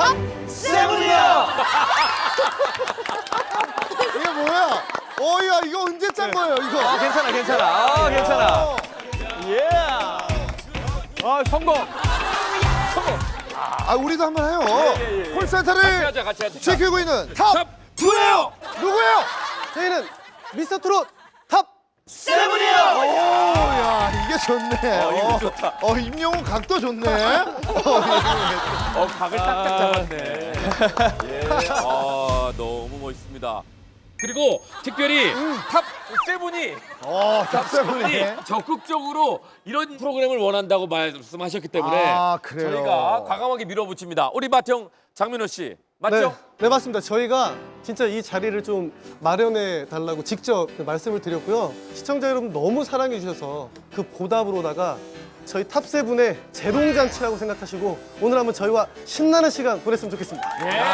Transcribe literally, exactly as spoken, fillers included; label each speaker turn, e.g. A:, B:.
A: 세븐이야.
B: 이게 뭐야? 어야 이거 언제 짠 거예요 이거?
A: 아, 괜찮아, 괜찮아. 아, 괜찮아. 예. 아, 성공. 성공.
B: 아 우리도 한번 해요.
A: 예, 예, 예.
B: 콜센터를
A: 같이 하자, 같이 하자.
B: 지키고 있는 탑
A: 탑 투예요.
B: 누구예요?
C: 저희는 미스터 트롯 탑
A: 세븐이요.
B: 오야 이게 좋네.
A: 어, 이거 좋다.
B: 어 임영웅 각도 좋네.
A: 어, 각을 딱딱 잡았네. 예. 아, 너무 멋있습니다. 그리고 특별히 탑 세븐이
B: 어탑 세븐이.
A: 세븐이 적극적으로 이런 프로그램을 원한다고 말씀하셨기 때문에
B: 아, 그래요?
A: 저희가 과감하게 밀어붙입니다. 우리 맏형 장민호 씨
C: 네,
A: 맞죠?
C: 네 맞습니다. 저희가 진짜 이 자리를 좀 마련해 달라고 직접 말씀을 드렸고요. 시청자 여러분 너무 사랑해 주셔서 그 보답으로다가 저희 탑세븐의 재롱잔치라고 생각하시고 오늘 한번 저희와 신나는 시간 보냈으면 좋겠습니다.
A: 예.